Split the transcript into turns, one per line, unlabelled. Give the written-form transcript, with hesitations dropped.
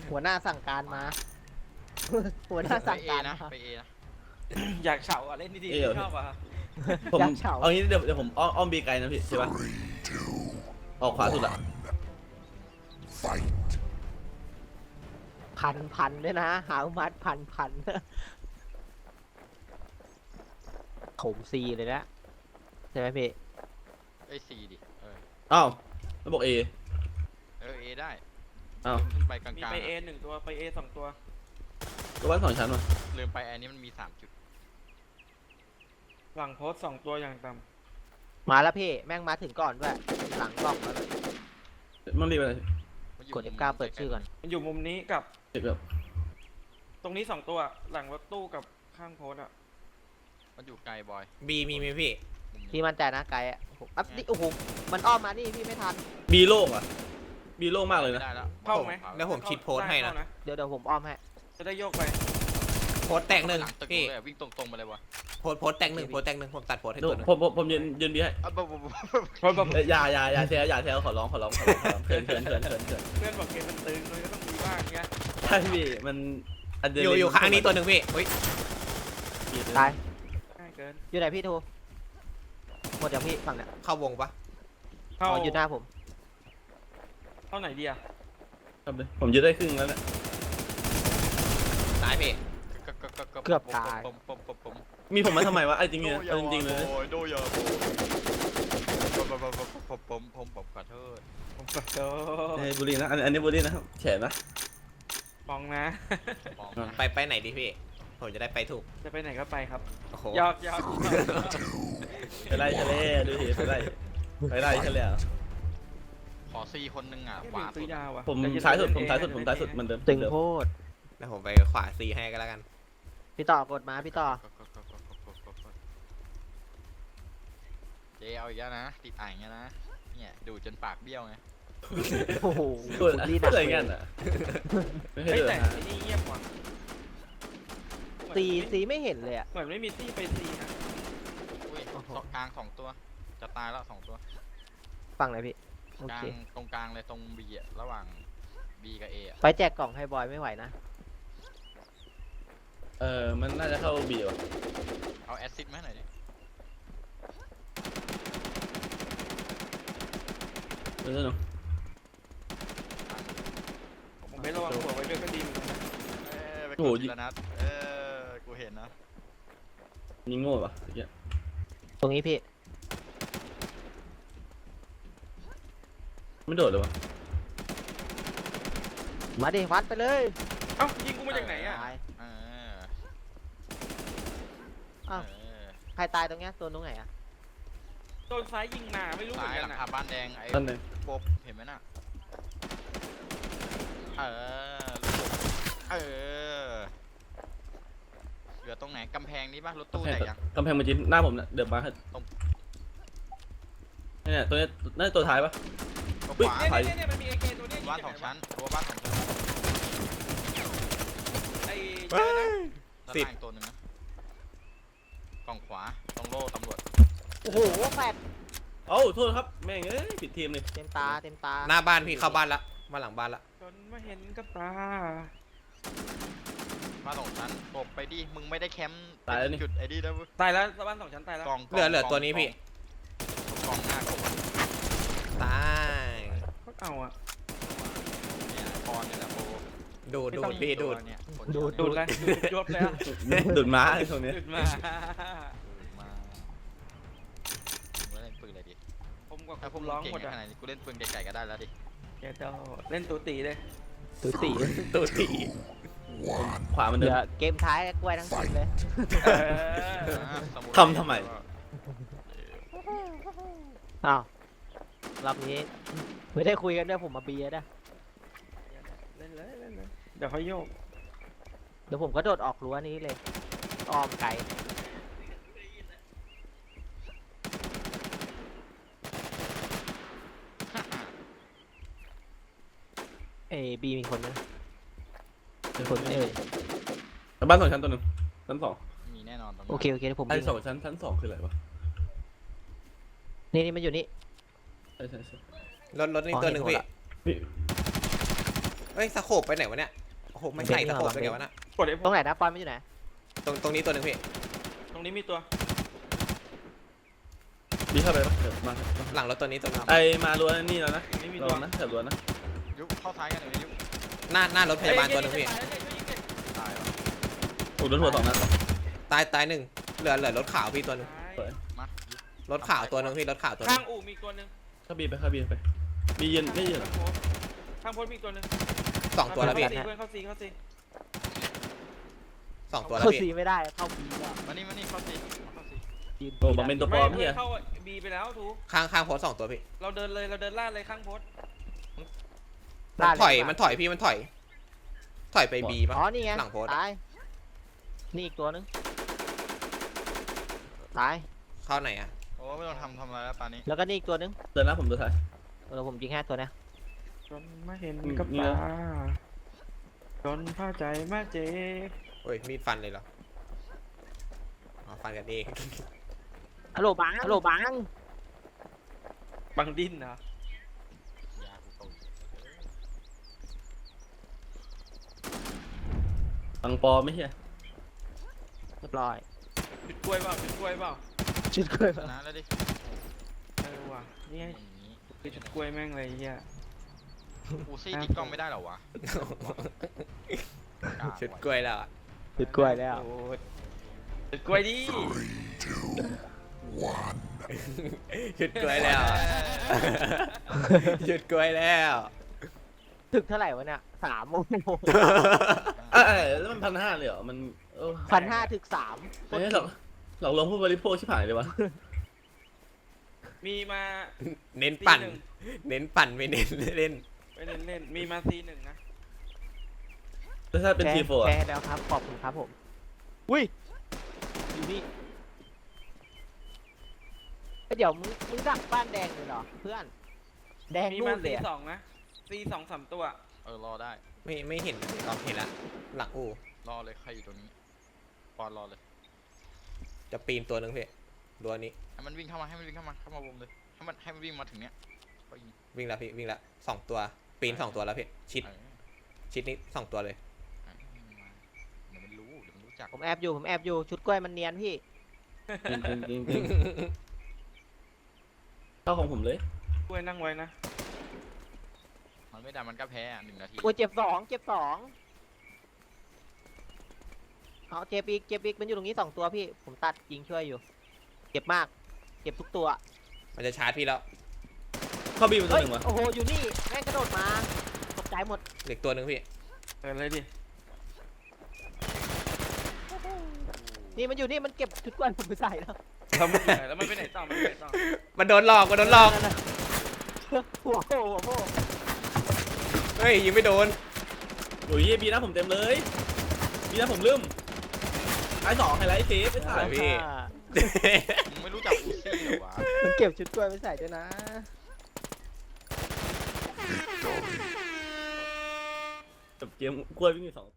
หัวหน้าสั่งการมา หัวหน้าสั่งการมา
ไปเอนะ
อยากเฉาอ่ะเล่นดีๆชอบอ่ะ
ผม
อยากเฉา
เอางี้เดี๋ยวผมอ้อมบีไกลนะพี่ใช่ปะออกขวาสุดอะ
พันด้วยนะหามัดพันโถมซีเลยนะใช่ไหมพี่
ไอ้ซีดิ
อ้าวแล้วบอกเอ
เอได้
อ้าว
ขึ้นไปกลาง
มี
ๆ
ไปเอหนึ่งตัวไปเอสองตัว
ตัวบ้านสองชั้นมา
ลืมไปอันนี้มันมี3 จุด
หลังโพสสองตัวอย่างต่
มาแล้วพี่แม่งมาถึงก่อนด้วยหลังกล้องแล้ว
มันรีบอะไร
กด F9 เปิดชื่อก่อน
ำมันอยู่มุมนี้กับ
เจ็บแบบ
ตรงนี้สองตัวหลังรถตู้กับข้างโพสอ่ะ
มันอยู่ไกลบอย
บีมีไหมพี่
มุมนี้
พี่มั่นใจนะไกลอ่ะอัพนี่โอ้โหมันอ้อมมานี่พี่ไม่ทัน
บีโล่งอะบีโล่งมากเลย
ไม่
นะ
ได้แล้ว
เข้าไหม
แล้วผมคิดโพสต์ให้นะ
เข้า
เดี๋ยวผมอ้อมให้
จะได้โยกไป
โพสต์แตกหนึ่ง
หลังตึก
พี่
เลยวิ่งตรงๆไปเลยวะ
โพสต์แตกหนึ่งโพสต์แตกหนึ่งผมตัดโพสต์ให้
ดู
ตัวหนึง
ผมยืนบีให้
เพราะแบบ
อย่าแซวขอร้องเขิน
เพื่อนบอกเกมมันตึงเลยก็ต้องมีบ้างเงี้ย
ใช่พี่มันอะดรีนาลีน
อยู่ข้างนี้ตัวหนึ่งพี่อุ้ย
ตาย
ง่ายเกิน
อยู่ไหนพี่ทูหมดอย่างพี่ฝั่งเนี้ย
เข้าวงปะ
เข้า
อ๋ออยู่หน้าผม
เข้าไหนดีอ่ะ
ครับเลยผมยืนได้ครึ่งแล้วเนี่ย
ตายพี่
เกือบตาย
ผม
มีผมมาทำไมวะไอ้จริงเนี่ยเอาจริงๆเลย
โดยาผมขอโทษ
ผมขอโทษ
เอ้ยบุรีนะอันนี้บุรีนะครับแฉนะ
มองนะ
ไปไหนดีพี่ผมจะได้ไปถูก
จะไปไหนก็ไปครับ
โอ้โห
ยอก
ไปไล่ทะเลดูสิไปไล่ทะเล
ขอซีคนหนึ่งอ่ะ
ไม่
ขวา
ซื้อยาวอ่ะ
ผมท้ายสุดเหมือนเดิม
ตึงโคตร
แล้วผมไปขวาซีให้ก็แล้วกัน
พี่ต่อกดมาพี่ต่อ
เจเอาอีกแล้วนะติดอ่างเงี้ยนะเนี่ยดูจนปากเบี้ยวไง
โอ้โห
พูด
นี่หนัก
อะไร
เลย
เงี้ยน่ะไม่เคย
เฮ้ย
เดือ
แต่
ดนะ
ไอ้นี่เงียบกว่า
ซีไม่เห็นเลยอ่ะ
เหมือนไม่มีตี้ไปซีนะ
อุ้ยกลาง2 ตัวจะตายแล้ว2 ตัว
ฝั่งไหนพี่โอก
ลา
เค
งตรงกลางเลยตรงบีอ่ะระหว่างบีกับเออ่ะ
ไปแจกกล่องให้บอยไม่ไหวนะ
มันน่าจะเข้าบีว่ะ
เอาแอซซิดมาหน่อยดิ
เดี๋ยวนะ
ผมไม่ระวังหัวไว้ด้วยก็ดีเหมือนกันนะ
ไปกดทีละนัดกูเห็นนะ
ยิงโง่ป่ะเมื่อกี้
ตรงนี้พี่
ไม่โดดเลยวะ
มาดิวัดไปเลย
เอ้ายิงกูมาจากไหนอ่ะ
ตาย
เออ
อ้าว
เออ
ใครตายตรงเนี้ยตัวตรงไหนอ่ะ
โดนซ้ายยิงมาไม่รู้เหมื
ซ้า
อย น
ห
กั
ลั
น
ง
อ่ะ
คาบ้านแดงไอ้
นั่นเลย
โป๊บเห็นไหมน่ะเออเหลือตรงไหนกำแพงนี้ป่ะรถตู้แตกยัง
กำแพงมันจีนหน้าผมเนี่ยเดือบมาให้
ตรง
เนี่ยตัวนี้น่าจะตัวท้ายปะ
ตรง
อุ๊
ข
ย
วา
เนี่ยมันมีไอเกตัวเนี้ย
บ้าน2 ชั้นตัวบ้าน2 ชั้น
ไอ้
ด้านล่างอีกตัวหนึงนะกล่องขวาตรงโล่ตำรวจ
โอ้โหแฟด
เอ้าโทษครับแม่งผิดทีมเลย
เต็มตาเต็มตา
หน้าบ้านพี่เข้าบ้านละมาหลังบ้านละ
จนมาเห็นกับตา
บ้าน2 ชั้นตบไปดิมึงไม่ได้แคมป์จุดไอ้นี่นะเว้ย
ตายแล้วบ้านสองชั้นตายแล้ว
กล่อง
เหลือตัวนี้พี่
กล่องหน้ากล่อง
ตาย
ก็เอาอ่ะ
เนี่ยพรเนี่ยแหละโป
ดูดพี่ดูด
เนี่ย
ดูดเลยดูดยศเลยอ่ะ
ดุดม้าไอ้ตรงนี้
ดูดมา
มาเล่นปืนอะไรดิ
ผมกับ
ถ้าพ
คุ
วก
ณ
มึ
ร้อง
งเก่ง
หมด
ข
อ่ะ
นาดนี้กูเล่นปืนไกลๆก็ได้แล้วดิ
เดี๋ยวจะเล่นตัวตีเลย
ตัวสี่
ตูตี
ขวามัน
เห
เดิ
ลื
น
อเกมท้ายกล้วยทั้งสิ้นเลย
ทำทำไม
อ้าวรอบนี้ไม่ได้คุยกันด้วยผมมาเบียร์นะ
เล่นเลยเล่นเลยเดี๋ยวเขาโยก
เดี๋ยวผมก็โดดออกรั้วนี้เลยอ้อมไกลเอบีมีคนไหมมีคนไหมเอ่ย
บ้าน2 ชั้นตัวหนึ่งชั้น 2
มีแน่นอนตรง
โอเคโอเคเดี๋ยวผม
ไอ้
ยิง
2 ชั้น 2คืออะไรวะ
นี่มันอยู่นี่
ใช่
รถนี่ตัวหนึ่งพี่
พี่
เฮ้ยสโคปไปไหนวะเนี่ยโอ้โหไม่ใส่สโคปไปไหนวะน่ะ
กดไอ้พ
ต
ว
ร
ก
งไหนนะปอนไม่อยู่ไหน
ตรงนี้ตัวหนึ่งพี่
ตรงนี้มีตัว
บีเข้าไปปะเดี๋ยวมา
หลังรถตัวนี้ตัวนึง
ไอมาล้วนนี่แล้วนะ
นี่มี
ระ
ตัว
วังนะแถบล้วนนะ
ยุบเข้าซ้ายกันเลยยุบ
หน้ารถพยาบาลตัวหนึงพี่
ตายวะ
โอ้โดนหัวสองนัด
ตายหนึ่งเหลือรถขาวพี่ตัวหนึง
มา
รถขาวตัวหนึงพี่รถขาวตัวหนึ
ข้าง
ง
อู่มีตัวหนึ่ง
เข้าบีไปเข้าบีไปบียืนไม่ยืน
ข้างโพสต์มีตัวหนึ่ง
สองตัวแล้วพี่
เพื่อนเข้าซี
สองตัวแล้ว
เข้า
พี่
สีไม่ได้เข้าบีแล้ว
มานี่เข้าซีเข้าซี
ยืน
โอ้บังเป็นตัวปลอม
ไม่
เฮีย
เข้าบีไปแล้วถูก
ข้างโพสต์สองตัวพี่
เราเดินเลยเราเดินลาดเลยข้างโพสต์
มันถอยพี่มันถอยไปบีป่ะ
อ๋อนี่ไง
หลังโพสต์อะ
ตายนี่อีกตัวนึงตาย
เข้าไหนอ่ะ
โอ้ไม่ต้องทำอะไรแล้วปานนี้
แล้วก็นี่อีกตัวนึง
เดินหน้าผมตัวท้าย
ผมยิงแค่ตัวเนี้ย
จนไม่เห็น
กับ
ตา
ตา
จนผ้าใจมาเจ็บ
โอ้ยมีดฟันเลยเหรออ๋อฟันกันเอง
ฮัลโหลบังฮัลโหลบัง
บังดิ้นนะ
ยากูตก
บังปลอมไม่เฮีย
เรียบร้อย
จุดกล้วยเปล่าจุดกล้วยเปล่า
ชุดเคย
ชนะแล้วดิ
ว่ะนี่ไง
อย่างนี้
คือจุดกล้วยแม่งเลยไอ้เฮีย
อูซี่ติดกล้องไม่ได้เหรอวะ
ชุดกล้วยแล้วอะ
ชุดกล้วยแล้ว
โอ้ยจุดกล้วยดิ
ชุดกล้วยแล้วชุดกล้วยแล้ว
ถึกเท่าไหร่วะเนี่ย3 โมง
แล้วมัน1,500เลยเหรอมันเออ
1,500ถึก3
ไม่ใช่หรอกหลอกลวงผู้บริโภคชิบหายเลยวะ
มีมา
เน้นปั่น
ตีหนึ่ง
เน้นปั่นไม่เน้นเล่น
ไปเล่นเล่นมีมาซีหนึ่งนะ
แล้วถ้าเป็นทีโฟ
แชร์แล้วครับขอบคุณครับผมอุ้ยอยู่นี่เอ้ยเดี๋ยวมึงดักบ้านแดงเลยเหรอเพื่อนแดง
มี
นู่
มาน
เล
ซี
ยอะ
สองนะซีสองสามตัว
รอได้
ไม่เห็นเราเห็นละหลังอู่
รอเลยใครอยู่ตรงนี้ปอนรอเลย
จะปีนตัวหนึ่งพี่ตัวนี้
ให้มันวิ่งเข้ามาให้มันวิ่งเข้ามาวงเลยให้มันวิ่งมาถึงเนี้ยก็ยิง
วิ่งแล้วพี่วิ่งแล้วสองตัวปีนสองตัวแล้วพี่ชิด
เออ
ชิดนี้สองตัวเลย
เดี๋ยวมันรู้จัก
ผมแอบอยู่ชุดกล้วยมันเนียนพี่
จริงเข้าของผมเลย
กล้วยนั่งไว้นะ
มันไม่ได้มันก็แพ้อะ1 นาที
โอ้ยเจ็บสองเอาเจ็บอีกมันอยู่ตรงนี้2 ตัวพี่ผมตัดยิงช่วยอยู่เจ็บมากเจ็บทุกตัว
มันจะชาร์จพี่แล้ว
เข้าบีเป็นตัว
เฮ้ย
หนึ่งวะ
โอ้โหอยู่นี่แม่งกระโดดมาตกใจหมด
เหล็กตัวหนึ่งพี่
เดินเลยดิ
นี่มันอยู่นี่มันเก็บชุดกล้วยผมไปใส่แล้ว
แล้วมันอยู่ไหนแล้วมันไปไหนต่อมันไปไหนต่อ
มันโดนหลอก
นั่นน่ะหัวโผล่
เฮ้ยยิงไม่โดน
โอ้ยบีหน้าผมเต็มเลยบีหน้าผมลืมไอ้2ไฮไลท์เซฟไอ้ถ่าย
พี่
มึงไม่รู้จักอูซี่เหรอวะ
มันเก็บชุดกล้วยไปใส่ด้วยนะ
จบเกมกล้วยวิ่งอยู่2